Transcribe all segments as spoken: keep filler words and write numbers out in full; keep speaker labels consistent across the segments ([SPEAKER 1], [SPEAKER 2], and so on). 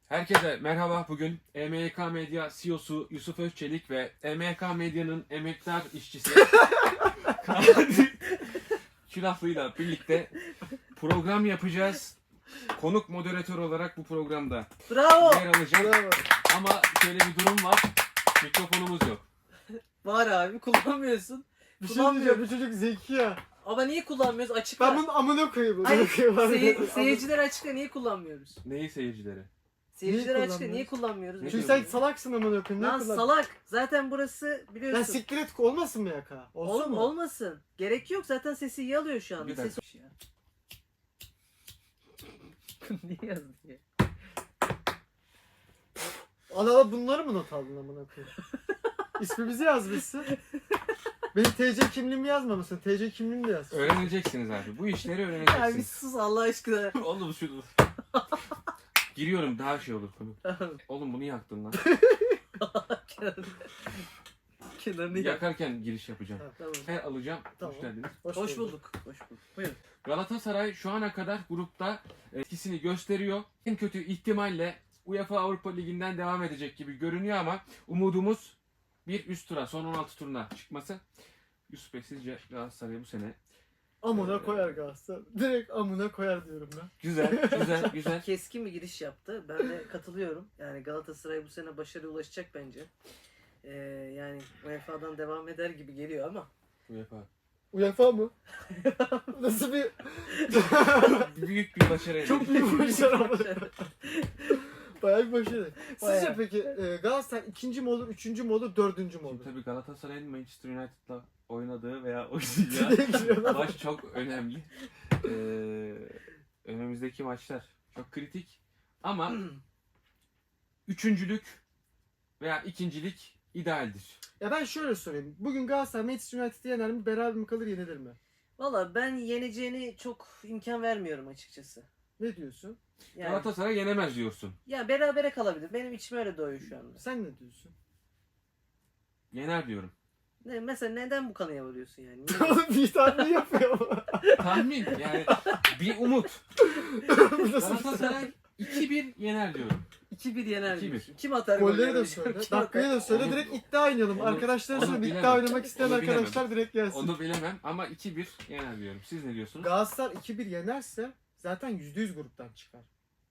[SPEAKER 1] Herkese merhaba. Bugün E M Y K Medya C E O'su Yusuf Özçelik ve E M Y K Medya'nın emektar işçisi Külaflı'yla birlikte program yapacağız. Konuk moderatör olarak bu programda
[SPEAKER 2] Bravo.
[SPEAKER 1] yer alacağım.
[SPEAKER 2] Bravo.
[SPEAKER 1] Ama şöyle bir durum var. Mikrofonumuz yok.
[SPEAKER 2] Var abi, kullanmıyorsun.
[SPEAKER 3] Bir şey
[SPEAKER 2] Kullanmıyorum.
[SPEAKER 3] diyeceğim, bu çocuk zeki ya.
[SPEAKER 2] Ama niye kullanmıyoruz? Açıkla.
[SPEAKER 3] Ben bunun amına koyayım.
[SPEAKER 2] Hayır,
[SPEAKER 3] amına koyayım.
[SPEAKER 2] seyir,
[SPEAKER 3] Amına-
[SPEAKER 2] seyirciler açıkla, niye kullanmıyoruz?
[SPEAKER 1] Neyi seyircileri?
[SPEAKER 2] Seyirciler açıkla,
[SPEAKER 3] kullanmıyoruz?
[SPEAKER 2] niye kullanmıyoruz?
[SPEAKER 1] Ne
[SPEAKER 3] Çünkü
[SPEAKER 1] diyorsun?
[SPEAKER 3] sen salaksın amına koyayım.
[SPEAKER 2] Lan
[SPEAKER 3] Ne kullan-
[SPEAKER 2] salak. Zaten burası
[SPEAKER 3] Lan
[SPEAKER 2] biliyorsun.
[SPEAKER 3] siktir et, olmasın mı yaka? Olsun
[SPEAKER 2] Oğlum
[SPEAKER 3] mu?
[SPEAKER 2] olmasın. Gerek yok. Zaten sesi iyi alıyor şu anda.
[SPEAKER 1] Bir dakika.
[SPEAKER 2] Ses... Niye yazdın ya?
[SPEAKER 3] Ana ala bunları mı not aldın amına koyayım? İsmimizi yazmışsın. Benim T C kimliğimi yazmamışsın. T C kimliğimi de yaz.
[SPEAKER 1] Öğreneceksiniz abi. Bu işleri
[SPEAKER 2] Ya bir
[SPEAKER 1] öğreneceksiniz.
[SPEAKER 2] sus Allah aşkına.
[SPEAKER 1] Oğlum şunu. Giriyorum, daha şey olur konu. Oğlum bunu yaktın lan.
[SPEAKER 2] Kenarını- Kenarını yak.
[SPEAKER 1] Yakarken giriş yapacağım.
[SPEAKER 2] Tamam.
[SPEAKER 1] He alacağım.
[SPEAKER 3] Tamam.
[SPEAKER 1] Hoş geldiniz.
[SPEAKER 2] Hoş bulduk. Hoş bulduk. Buyurun.
[SPEAKER 1] Galatasaray şu ana kadar grupta etkisini gösteriyor. En kötü ihtimalle UEFA Avrupa Ligi'nden devam edecek gibi görünüyor ama umudumuz bir üst tura, son on altı turuna çıkması. Yusuf Bey, sizce Galatasaray bu sene
[SPEAKER 3] Amına koyar Galatasaray. Direkt amına koyar diyorum ben.
[SPEAKER 1] güzel, güzel, güzel.
[SPEAKER 2] Keskin bir giriş yaptı. Ben de katılıyorum. Yani Galatasaray bu sene başarıya ulaşacak bence. Ee, yani U E F A'dan devam eder gibi geliyor ama.
[SPEAKER 1] UEFA.
[SPEAKER 3] UEFA mı? Nasıl bir...
[SPEAKER 1] Büyük bir başarı.
[SPEAKER 3] Çok büyük bir başarı ama. Bayağı bir başarı. Sizce
[SPEAKER 2] Bayağı.
[SPEAKER 3] peki e, Galatasaray ikinci mi olur, üçüncü mü olur, dördüncü mü olur?
[SPEAKER 1] Şimdi tabii Galatasaray'ın Manchester United'la oynadığı veya oynayacağı maç çok önemli. Ee, önümüzdeki maçlar çok kritik. Ama üçüncülük veya ikincilik idealdir.
[SPEAKER 3] Ya ben şöyle sorayım. Bugün Galatasaray Manchester United'ı yener mi? Beraber mi kalır, yenilir mi?
[SPEAKER 2] Valla ben yeneceğini çok imkan vermiyorum açıkçası.
[SPEAKER 3] Ne diyorsun?
[SPEAKER 2] Yani,
[SPEAKER 1] Galatasaray yenemez diyorsun.
[SPEAKER 2] ya berabere kalabilir. Benim içim öyle doğuyor şu anda.
[SPEAKER 3] Sen ne diyorsun?
[SPEAKER 1] Yener diyorum.
[SPEAKER 2] Ne, mesela neden bu kanıya varıyorsun yani?
[SPEAKER 3] Oğlum bir tane yapıyor ama.
[SPEAKER 1] Tahmin yani bir umut.
[SPEAKER 3] Bu nasıl bir
[SPEAKER 1] Galatasaray iki bir yener diyorum.
[SPEAKER 2] iki bir yener
[SPEAKER 1] iki bir.
[SPEAKER 2] diyorsun. Kim atar
[SPEAKER 3] Golleri de
[SPEAKER 2] golleri?
[SPEAKER 3] söyle.
[SPEAKER 2] Kim
[SPEAKER 3] Dakikayı
[SPEAKER 2] atar?
[SPEAKER 3] da söyle.
[SPEAKER 1] Onu-
[SPEAKER 3] Direkt iddia oynayalım.
[SPEAKER 1] onu-
[SPEAKER 3] Arkadaşlar
[SPEAKER 1] onu
[SPEAKER 3] söyle.
[SPEAKER 1] bilemem.
[SPEAKER 3] İddia oynamak isteyen
[SPEAKER 1] Onu
[SPEAKER 3] arkadaşlar direkt gelsin.
[SPEAKER 1] Onu bilemem ama iki bir yener diyorum. Siz ne diyorsunuz?
[SPEAKER 3] Galatasaray iki bir yenerse zaten yüzde yüz gruptan çıkar.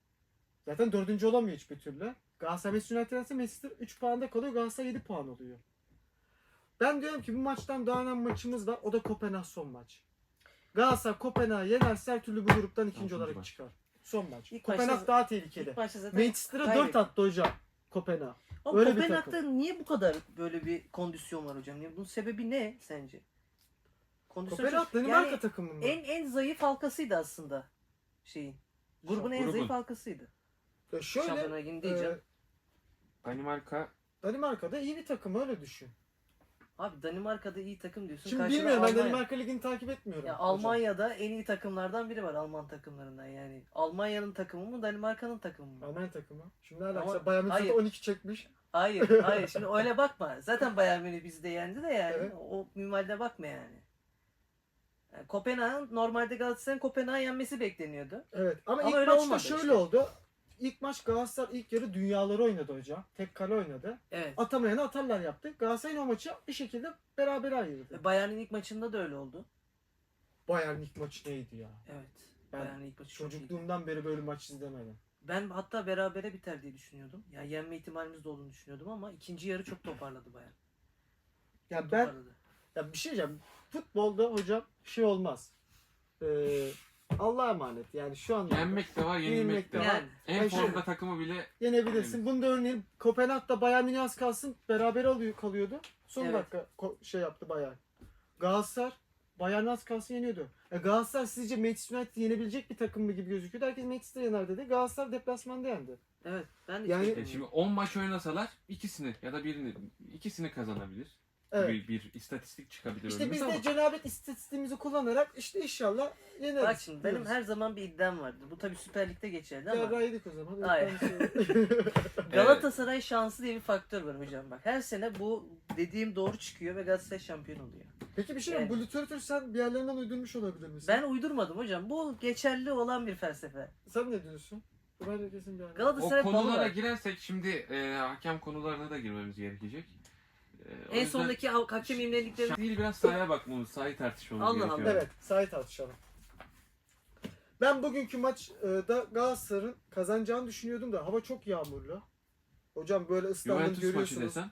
[SPEAKER 3] Zaten dördüncü olamıyor hiçbir türlü. Galatasaray Manchester United yenerse Manchester üç puanda kalıyor. Galatasaray yedi puan oluyor. Ben diyorum ki bu maçtan daha önemli maçımız var. O da Kopenhag son maç. Galatasaray Kopenhag'ı yenerse her türlü bu gruptan ikinci
[SPEAKER 1] Son
[SPEAKER 3] olarak
[SPEAKER 1] maç.
[SPEAKER 3] çıkar. Son maç.
[SPEAKER 2] İlk
[SPEAKER 3] Kopenhag
[SPEAKER 2] başta-
[SPEAKER 3] daha tehlikeli.
[SPEAKER 2] İlk başta zaten
[SPEAKER 3] Manchester'a dört
[SPEAKER 2] kaybetti.
[SPEAKER 3] attı hocam. Kopenhag.
[SPEAKER 2] Ama
[SPEAKER 3] Öyle bir
[SPEAKER 2] Kopenhag'da niye bu kadar böyle bir kondisyon var hocam? Yani bunun sebebi ne sence? Kondisyon
[SPEAKER 3] Kopenhag
[SPEAKER 2] çok-
[SPEAKER 3] Danimarka
[SPEAKER 2] yani
[SPEAKER 3] takımı mı?
[SPEAKER 2] en en zayıf halkasıydı aslında şeyin. Grubun en
[SPEAKER 1] Grubun.
[SPEAKER 2] zayıf halkasıydı.
[SPEAKER 3] Ya şöyle
[SPEAKER 2] Şampiyonlar Ligi'ni diyeceğim.
[SPEAKER 3] e,
[SPEAKER 1] Danimarka
[SPEAKER 3] Danimarka'da iyi bir takım, öyle düşün.
[SPEAKER 2] Abi Danimarka'da iyi takım diyorsun.
[SPEAKER 3] Şimdi
[SPEAKER 2] Karşıda
[SPEAKER 3] bilmiyorum, ben
[SPEAKER 2] Almanya.
[SPEAKER 3] Danimarka Ligi'ni takip etmiyorum.
[SPEAKER 2] Ya
[SPEAKER 3] hocam.
[SPEAKER 2] Almanya'da en iyi takımlardan biri var Alman takımlarından yani. Almanya'nın takımı mı Danimarka'nın takımı mı?
[SPEAKER 3] Almanya takımı. Şimdi
[SPEAKER 2] Ama-
[SPEAKER 3] alakası Bayern Münih'te
[SPEAKER 2] hayır.
[SPEAKER 3] on iki çekmiş.
[SPEAKER 2] Hayır, hayır. Şimdi öyle bakma. Zaten Bayern Münih bizi de yendi de yani.
[SPEAKER 3] Evet.
[SPEAKER 2] O minvalde bakma yani. yani Kopenhag'ın normalde Galatasaray'ın Kopenhag'ı yenmesi bekleniyordu.
[SPEAKER 3] Evet ama,
[SPEAKER 2] Ama
[SPEAKER 3] ilk
[SPEAKER 2] öyle
[SPEAKER 3] maçta
[SPEAKER 2] olmadı
[SPEAKER 3] şöyle
[SPEAKER 2] işte.
[SPEAKER 3] oldu. İlk maç Galatasaray ilk yarı dünyaları oynadı hocam. Tek kale oynadı.
[SPEAKER 2] Evet.
[SPEAKER 3] Atamayanı atarlar yaptı. Galatasaray'ın o maçı bir şekilde berabere ayırdı.
[SPEAKER 2] Bayern'in ilk maçında da öyle oldu.
[SPEAKER 3] Bayern ilk maçı neydi ya?
[SPEAKER 2] Evet.
[SPEAKER 3] Ben
[SPEAKER 2] Bayern'in ilk maçı çok iyiydi.
[SPEAKER 3] Çocukluğumdan beri böyle maç izlemedim.
[SPEAKER 2] Ben hatta berabere biter diye düşünüyordum. Ya yenme ihtimalimiz de olduğunu düşünüyordum ama ikinci yarı çok toparladı Bayern.
[SPEAKER 3] Ya ben
[SPEAKER 2] Toparladı.
[SPEAKER 3] ya bir şey diyeceğim. Futbolda hocam şey olmaz. Ee, Allah'a emanet. Yani şu anda
[SPEAKER 1] yenmek de var, yenilmek de var.
[SPEAKER 2] Yani
[SPEAKER 1] En
[SPEAKER 3] Ben
[SPEAKER 1] formda
[SPEAKER 3] şöyle-
[SPEAKER 1] takımı bile
[SPEAKER 3] yenebilirsin. Bunu da örneğin Kopenhag'da Bayern Münih az kalsın beraber alıyor kalıyordu. Son
[SPEAKER 2] Evet.
[SPEAKER 3] dakika ko- şey yaptı Bayern. Galatasaray Bayern az kalsın yeniyordu. E Galatasaray sizce Manchester United'ı yenebilecek bir takım mı gibi gözüküyordu. Herkes Manchester yener dedi. Galatasaray deplasmanda yendi.
[SPEAKER 2] evet ben de
[SPEAKER 3] Yani-
[SPEAKER 2] hiç
[SPEAKER 1] E şimdi on maç oynasalar ikisini ya da birini ikisini kazanabilir.
[SPEAKER 3] Evet.
[SPEAKER 1] Bir, bir istatistik çıkabilir
[SPEAKER 3] İşte
[SPEAKER 1] önümüze
[SPEAKER 3] biz de
[SPEAKER 1] ama
[SPEAKER 3] cenabet istatistiğimizi kullanarak işte inşallah yeneriz.
[SPEAKER 2] Bak şimdi benim
[SPEAKER 3] diyoruz.
[SPEAKER 2] her zaman bir iddiam vardı. Bu tabii Süper Lig'de geçerli ama
[SPEAKER 3] Ya yedik o zaman.
[SPEAKER 2] Hayır. Galatasaray şansı diye bir faktör var hocam bak. Her sene bu dediğim doğru çıkıyor ve Galatasaray şampiyon oluyor.
[SPEAKER 3] Peki bir şey diyeyim.
[SPEAKER 2] Yani-
[SPEAKER 3] Bu literatürü sen bir yerlerinden uydurmuş olabilir misin?
[SPEAKER 2] Ben uydurmadım hocam. Bu geçerli olan bir felsefe.
[SPEAKER 3] Sen ne diyorsun? Bu bence kesin bir anne.
[SPEAKER 1] O
[SPEAKER 2] Galatasaray balı
[SPEAKER 1] konulara
[SPEAKER 2] var.
[SPEAKER 1] girersek şimdi e, hakem konularına da girmemiz gerekecek. E, o
[SPEAKER 2] En
[SPEAKER 1] yüzden
[SPEAKER 2] sondaki ha- hakem imlelikleri...
[SPEAKER 1] değil, biraz sahaya bakmamız, sahayı tartışmamız
[SPEAKER 2] Allah
[SPEAKER 1] gerekiyor.
[SPEAKER 2] Allah.
[SPEAKER 3] Evet, sahayı tartışalım. Ben bugünkü maçta Galatasaray'ın kazanacağını düşünüyordum da hava çok yağmurlu. Hocam böyle ıslandım
[SPEAKER 1] Juventus maçı
[SPEAKER 3] görüyorsunuz.
[SPEAKER 1] desem.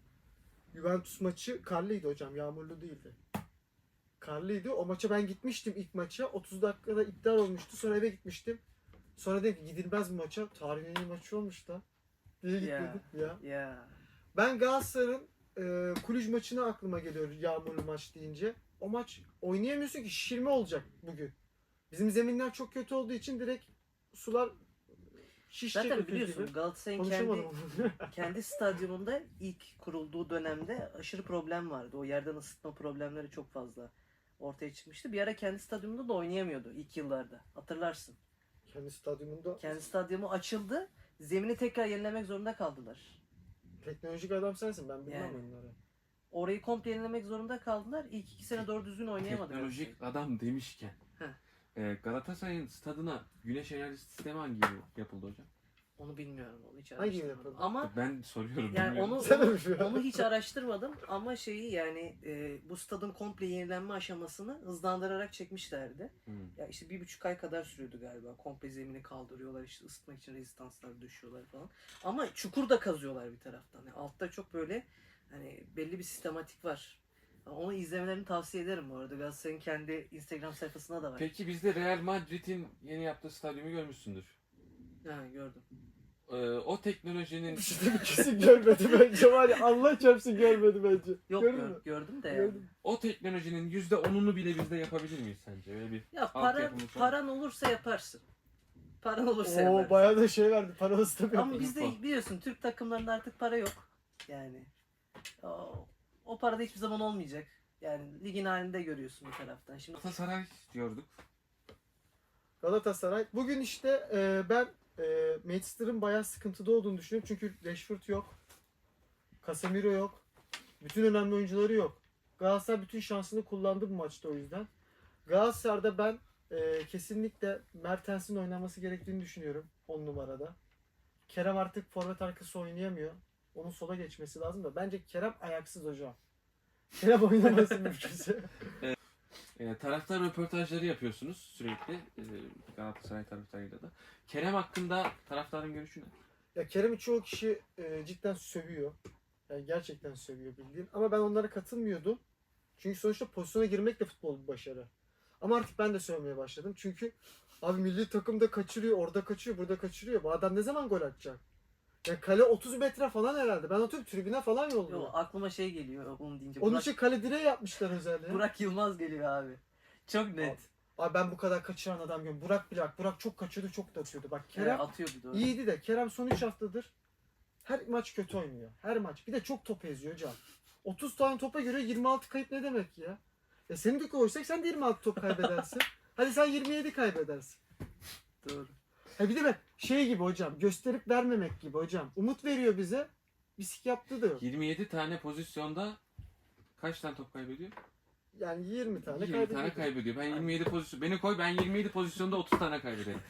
[SPEAKER 3] Juventus maçı karlıydı hocam, yağmurlu değildi. Karlıydı. O maça ben gitmiştim ilk maça. otuz dakikada iptal olmuştu. Sonra eve gitmiştim. Sonra dedim ki gidilmez bu maça. Tarihin en iyi maçı olmuş da. Diye
[SPEAKER 2] Ya.
[SPEAKER 3] gitmedik ya.
[SPEAKER 2] Ya.
[SPEAKER 3] Ben Galatasaray'ın e, Kulüj maçına aklıma geliyor yağmurlu maç deyince. O maç oynayamıyorsun ki, şişirme olacak bugün. Bizim zeminler çok kötü olduğu için direkt sular şişecek.
[SPEAKER 2] Zaten
[SPEAKER 3] öküz
[SPEAKER 2] biliyorsun
[SPEAKER 3] gibi.
[SPEAKER 2] Galatasaray'ın
[SPEAKER 3] Konuşamadım.
[SPEAKER 2] kendi kendi stadyumunda ilk kurulduğu dönemde aşırı problem vardı. O yerden ısıtma problemleri çok fazla ortaya çıkmıştı. Bir ara kendi stadyumunda da oynayamıyordu ilk yıllarda. Hatırlarsın.
[SPEAKER 3] Kendi stadyumunda
[SPEAKER 2] Kendi stadyumu açıldı. Zemini tekrar yenilemek zorunda kaldılar.
[SPEAKER 3] teknolojik adam sensin, ben bilmem
[SPEAKER 2] Yani.
[SPEAKER 3] onları.
[SPEAKER 2] Orayı komple yenilemek zorunda kaldılar. İlk iki sene doğru düzgün oynayamadı.
[SPEAKER 1] Teknolojik
[SPEAKER 2] Galatasaray.
[SPEAKER 1] adam demişken.
[SPEAKER 2] Heh.
[SPEAKER 1] e, Galatasaray'ın stadına güneş enerji sistemi hangi yıl yapıldı hocam?
[SPEAKER 2] Onu bilmiyorum. Onu hiç
[SPEAKER 3] Hangi
[SPEAKER 2] araştırmadım.
[SPEAKER 3] yapıldı?
[SPEAKER 2] Ama
[SPEAKER 1] Ben soruyorum.
[SPEAKER 2] yani
[SPEAKER 1] bilmiyorum.
[SPEAKER 2] onu
[SPEAKER 3] Sen de
[SPEAKER 2] onu,
[SPEAKER 3] mi şu an?
[SPEAKER 2] onu hiç araştırmadım ama şeyi yani e, bu stadın komple yenilenme aşamasını hızlandırarak çekmişlerdi.
[SPEAKER 1] Hmm.
[SPEAKER 2] Ya işte bir buçuk ay kadar sürüyordu galiba. Komple zemini kaldırıyorlar, işte ısıtmak için rezistanslar düşüyorlar falan. Ama çukur da kazıyorlar bir taraftan. Yani altta çok böyle hani belli bir sistematik var. Onu izlemelerini tavsiye ederim bu arada. Galatasaray'ın kendi Instagram sayfasında da var.
[SPEAKER 1] Peki bizde Real Madrid'in yeni yaptığı stadyumu görmüşsündür.
[SPEAKER 2] Ha, gördüm.
[SPEAKER 1] E, o teknolojinin
[SPEAKER 3] İşte bir kesin görmedi bence var ya, Allah çarpsın görmedi bence.
[SPEAKER 2] Yok
[SPEAKER 3] Gördün
[SPEAKER 2] gör-
[SPEAKER 3] mü?
[SPEAKER 2] gördüm de yani.
[SPEAKER 3] Gördüm.
[SPEAKER 1] o teknolojinin yüzde onunu bile bizde yapabilir miyiz sence? Öyle bir
[SPEAKER 2] Ya para
[SPEAKER 1] altyapımız var.
[SPEAKER 2] paran olursa yaparsın. Paran olursa
[SPEAKER 3] Oo
[SPEAKER 2] yaparsın.
[SPEAKER 3] bayağı da şey verdi. Parası tabii.
[SPEAKER 2] Ama bizde
[SPEAKER 1] Futbol.
[SPEAKER 2] biliyorsun Türk takımlarında artık para yok. Yani o, o para da hiçbir zaman olmayacak. Yani ligin halinde görüyorsun bir taraftan. Şimdi
[SPEAKER 1] Galatasaray diyorduk.
[SPEAKER 3] Galatasaray. Bugün işte e, ben e, Manchester'ın bayağı sıkıntıda olduğunu düşünüyorum. Çünkü Rashford yok. Casemiro yok. Bütün önemli oyuncuları yok. Galatasaray bütün şansını kullandı bu maçta o yüzden. Galatasaray'da ben e, kesinlikle Mertens'in oynaması gerektiğini düşünüyorum on numarada. Kerem artık forvet arkası oynayamıyor. Onun sola geçmesi lazım da. Bence Kerem ayaksız hocam. Kerem oynaması mümkünse.
[SPEAKER 1] E, taraftar röportajları yapıyorsunuz sürekli. E, Galatasaray taraftarıyla da. Kerem hakkında taraftarın görüşü ne?
[SPEAKER 3] Ya Kerem'i çoğu kişi e, cidden sövüyor. Yani gerçekten sövüyor bildiğin. Ama ben onlara katılmıyordum. Çünkü sonuçta pozisyona girmek de futbol bir başarı. Ama artık ben de sövmeye başladım. Çünkü abi milli takımda kaçırıyor, orada kaçırıyor, burada kaçırıyor. Bu adam ne zaman gol atacak? Ya kale otuz metre falan herhalde. Ben atıyorum tribüne falan
[SPEAKER 2] yo,
[SPEAKER 3] yolluyor.
[SPEAKER 2] aklıma şey geliyor onu deyince.
[SPEAKER 3] Onun
[SPEAKER 2] Burak,
[SPEAKER 3] için kale direği yapmışlar özellikle.
[SPEAKER 2] Burak Yılmaz geliyor abi. Çok net.
[SPEAKER 3] Abi ben bu kadar kaçıran adam görüyorum. Burak Bilak. Burak çok kaçıyordu, çok da atıyordu. Bak
[SPEAKER 2] Kerem
[SPEAKER 3] Kerem
[SPEAKER 2] atıyordu doğru.
[SPEAKER 3] İyiydi de Kerem son üç haftadır her maç kötü oynuyor. Her maç. Bir de çok top eziyor hocam. otuz tane topa göre yirmi altı kayıp ne demek ya? Ya seni de koysak sen de yirmi altı top kaybedersin. Hadi sen yirmi yedi kaybedersin.
[SPEAKER 2] Doğru.
[SPEAKER 3] Ha bir de bak şey gibi hocam, gösterip vermemek gibi hocam. Umut veriyor bize. Bisik yaptığı da yok.
[SPEAKER 1] yirmi yedi tane pozisyonda kaç tane top kaybediyor?
[SPEAKER 3] Yani yirmi tane
[SPEAKER 1] yirmi
[SPEAKER 3] kaybediyor.
[SPEAKER 1] tane kaybediyor. Ben yirmi yedi pozisyon beni koy, ben yirmi yedi pozisyonda otuz tane kaybederim.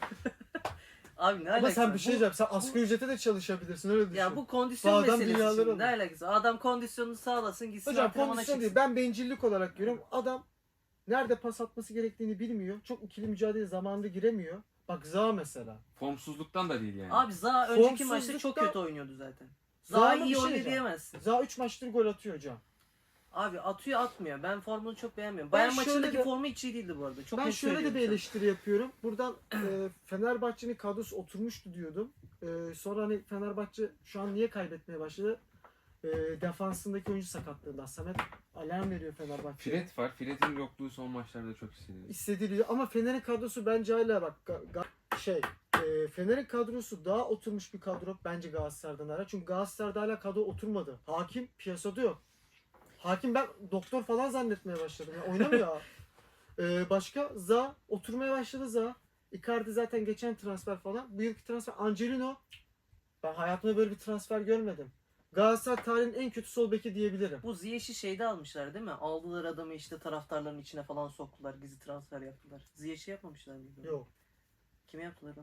[SPEAKER 2] Abi ne
[SPEAKER 3] Ama
[SPEAKER 2] alakası
[SPEAKER 3] sen
[SPEAKER 2] var?
[SPEAKER 3] bir şey
[SPEAKER 2] Bu-
[SPEAKER 3] diyeceğim. Sen asgari ücrete de çalışabilirsin öyle düşün.
[SPEAKER 2] Ya bu kondisyon
[SPEAKER 3] Bu adam
[SPEAKER 2] meselesi
[SPEAKER 3] dünyaları
[SPEAKER 2] şimdi. Ne
[SPEAKER 3] alır.
[SPEAKER 2] alakası var? Adam kondisyonunu sağlasın gitsin
[SPEAKER 3] Hocam
[SPEAKER 2] antrenmana
[SPEAKER 3] kondisyon
[SPEAKER 2] çıksın.
[SPEAKER 3] değil. Ben bencillik olarak görüyorum. Adam nerede pas atması gerektiğini bilmiyor. Çok ikili mücadele zamanında giremiyor. Bak Zaha mesela.
[SPEAKER 1] Formsuzluktan da değil yani.
[SPEAKER 2] Abi Zaha önceki maçta çok
[SPEAKER 3] Formsuzlukta-
[SPEAKER 2] kötü oynuyordu zaten.
[SPEAKER 3] Zaha
[SPEAKER 2] Zaha
[SPEAKER 3] mı bir
[SPEAKER 2] iyi
[SPEAKER 3] şey
[SPEAKER 2] oynuyor
[SPEAKER 3] diyeceğim.
[SPEAKER 2] diyemezsin.
[SPEAKER 3] Zaha üç maçtır gol atıyor hocam.
[SPEAKER 2] Abi atıyor atmıyor. Ben formunu çok beğenmiyorum.
[SPEAKER 3] Ben
[SPEAKER 2] Bayern
[SPEAKER 3] şöyle
[SPEAKER 2] maçındaki
[SPEAKER 3] de-
[SPEAKER 2] formu hiç iyi değildi bu arada. Çok
[SPEAKER 3] Ben
[SPEAKER 2] net
[SPEAKER 3] şöyle de bir
[SPEAKER 2] söylüyorum
[SPEAKER 3] eleştiri yapıyorum. Buradan e, Fenerbahçe'nin kadrosu oturmuştu diyordum. E, sonra hani Fenerbahçe şu an niye kaybetmeye başladı? E, defansındaki oyuncu sakatlığından. Samet alarm veriyor Fenerbahçe'ye.
[SPEAKER 1] Fred var. Fred'in yokluğu son maçlarda çok hissediliyor.
[SPEAKER 3] Hissediliyor ama Fener'in kadrosu bence hala bak ga- ga- şey e, Fener'in kadrosu daha oturmuş bir kadro bence Galatasaray'dan hala. Çünkü Galatasaray'da hala kadro oturmadı. Hakim piyasada yok. Hakim ben doktor falan zannetmeye başladım. Ya, oynamıyor. ha. E, başka Za oturmaya başladı Za. Icardi zaten geçen transfer falan. Bu yılki transfer Angelino. Ben hayatımda böyle bir transfer görmedim. Galatasaray tarihinin en kötü sol beki diyebilirim.
[SPEAKER 2] Bu Ziyech'i şeyde almışlar değil mi? Aldılar adamı işte taraftarların içine falan soktular. Gizli transfer yaptılar. Ziyech'i yapmamışlar mıydı?
[SPEAKER 3] Yok.
[SPEAKER 2] Kime yaptılar onu?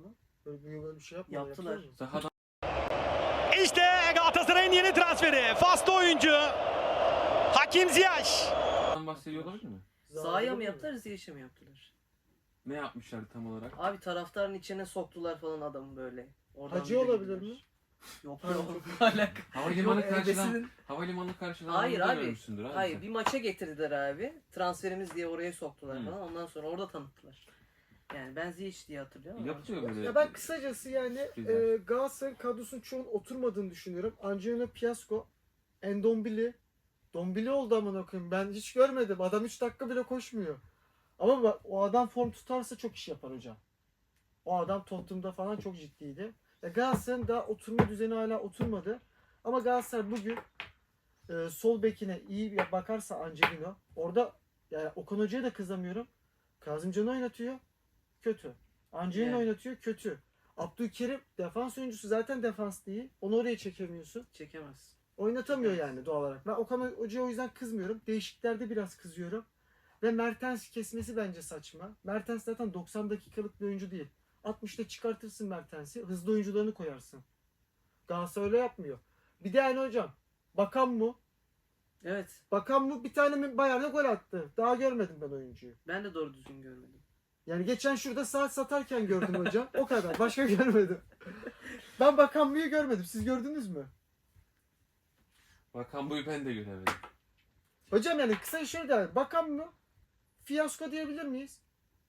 [SPEAKER 3] Böyle, bir- böyle bir şey yapmıyorlar.
[SPEAKER 2] Yaptılar.
[SPEAKER 3] yapıyor mu?
[SPEAKER 1] Sahadan
[SPEAKER 4] İşte Galatasaray'ın yeni transferi. Faslı oyuncu. Hakim Ziyech.
[SPEAKER 1] bahsediyor olabilir mi?
[SPEAKER 2] Sahaya mı
[SPEAKER 3] Zaten
[SPEAKER 2] yaptılar, Ziyech'e mi yaptılar?
[SPEAKER 1] Ne yapmışlardı tam olarak?
[SPEAKER 2] Abi taraftarın içine soktular falan adamı böyle. Oradan
[SPEAKER 3] Hacı
[SPEAKER 2] bir de
[SPEAKER 3] olabilir
[SPEAKER 2] gidiler.
[SPEAKER 3] mi?
[SPEAKER 2] Yok
[SPEAKER 3] Hacı.
[SPEAKER 2] yok. Alaka.
[SPEAKER 1] Havalimanı
[SPEAKER 2] Yok,
[SPEAKER 1] karşılan,
[SPEAKER 2] ebesinin-
[SPEAKER 1] havalimanı karşılan
[SPEAKER 2] Hayır abi.
[SPEAKER 1] görmüşsündür abi.
[SPEAKER 2] Hayır
[SPEAKER 1] sen.
[SPEAKER 2] bir maça getirdiler abi. Transferimiz diye oraya soktular
[SPEAKER 1] Hı.
[SPEAKER 2] falan. Ondan sonra orada tanıttılar. Yani ben Ziyech diye hatırlıyorum ama.
[SPEAKER 1] Yapıyor böyle.
[SPEAKER 3] Ya ben kısacası yani
[SPEAKER 1] Güzel.
[SPEAKER 3] e, Galatasaray'ın kadrosunun çoğunun oturmadığını düşünüyorum. Angelino Piasco, Endombili. Dombili oldu amına koyayım. Ben hiç görmedim. Adam üç dakika bile koşmuyor. Ama bak, o adam form tutarsa çok iş yapar hocam. O adam Tottenham'da falan çok ciddiydi. Ya Galatasaray'ın daha oturma düzeni hala oturmadı. Ama Galatasaray bugün e, sol bekine iyi bir bakarsa Angelino. Orada yani Okan Hoca'ya da kızamıyorum. Kazımcan'ı oynatıyor. Kötü. Angelino
[SPEAKER 2] Yani.
[SPEAKER 3] oynatıyor. Kötü. Abdülkerim defans oyuncusu zaten defans değil. Onu oraya çekemiyorsun.
[SPEAKER 2] Çekemez.
[SPEAKER 3] Oynatamıyor yani doğal olarak. Ben Okan Hoca'ya o yüzden kızmıyorum. Değişiklerde biraz kızıyorum. Ve Mertens kesmesi bence saçma. Mertens zaten doksan dakikalık bir oyuncu değil. altmışta çıkartırsın Mertens'i. Hızlı oyuncularını koyarsın. Galatasaray öyle yapmıyor. Bir de yani hocam. Bakan mı?
[SPEAKER 2] Evet.
[SPEAKER 3] Bakan mı bir tane mi Bayern'e gol attı. Daha görmedim ben oyuncuyu.
[SPEAKER 2] Ben de doğru düzgün görmedim.
[SPEAKER 3] Yani geçen şurada saat satarken gördüm hocam. O kadar. Başka görmedim. Ben Bakan mı'yı görmedim. Siz gördünüz mü?
[SPEAKER 1] Bakan buyu ben de göremedim.
[SPEAKER 3] Hocam yani kısa şöyle der. Bakan mı? Fiyasko diyebilir miyiz?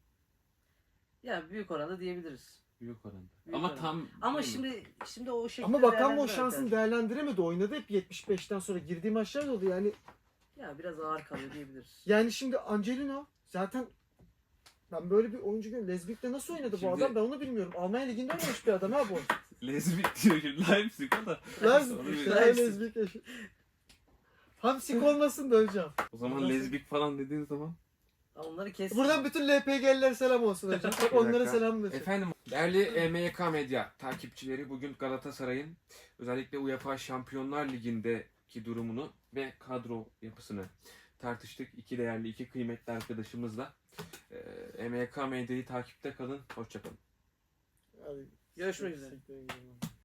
[SPEAKER 2] Ya büyük oranda diyebiliriz.
[SPEAKER 1] Büyük oranda.
[SPEAKER 2] Büyük
[SPEAKER 1] Ama
[SPEAKER 2] oranda.
[SPEAKER 1] tam
[SPEAKER 2] Ama
[SPEAKER 1] değil mi?
[SPEAKER 2] şimdi şimdi o şekilde
[SPEAKER 3] Ama Bakan mı o
[SPEAKER 2] değerlendiremez
[SPEAKER 3] şansını
[SPEAKER 2] yani.
[SPEAKER 3] değerlendiremedi. Oynadı hep yetmiş beşten sonra girdiği maçlar da oldu. Yani
[SPEAKER 2] Ya biraz ağır kalıyor diyebiliriz.
[SPEAKER 3] yani şimdi Angelino zaten ben böyle bir oyuncu görüyorum. Lezbik'te nasıl oynadı bu
[SPEAKER 1] Şimdi-
[SPEAKER 3] adam ben onu bilmiyorum. Almanya Ligi'nde oynamış bir adam ha bu.
[SPEAKER 1] Lezbik diyor şimdi. Leipzig o da.
[SPEAKER 3] Lan
[SPEAKER 1] Onu bir-
[SPEAKER 3] işte Lezbik eşi. Hamsik olmasın da hocam.
[SPEAKER 1] O zaman
[SPEAKER 3] Nasıl?
[SPEAKER 1] lezbik falan dediğin zaman.
[SPEAKER 2] Onları kes.
[SPEAKER 3] Buradan bütün L P G'liler selam olsun hocam. Bak
[SPEAKER 1] Bir
[SPEAKER 3] onlara
[SPEAKER 1] dakika.
[SPEAKER 3] selam olsun.
[SPEAKER 1] Efendim değerli e, M Y K Medya takipçileri bugün Galatasaray'ın özellikle UEFA Şampiyonlar Ligi'ndeki durumunu ve kadro yapısını tartıştık. İki değerli, iki kıymetli arkadaşımızla. E, M Y K Medya'yı takipte kalın. Hoşçakalın.
[SPEAKER 3] Hadi.
[SPEAKER 2] Görüşmek üzere.
[SPEAKER 3] Siktir gidin.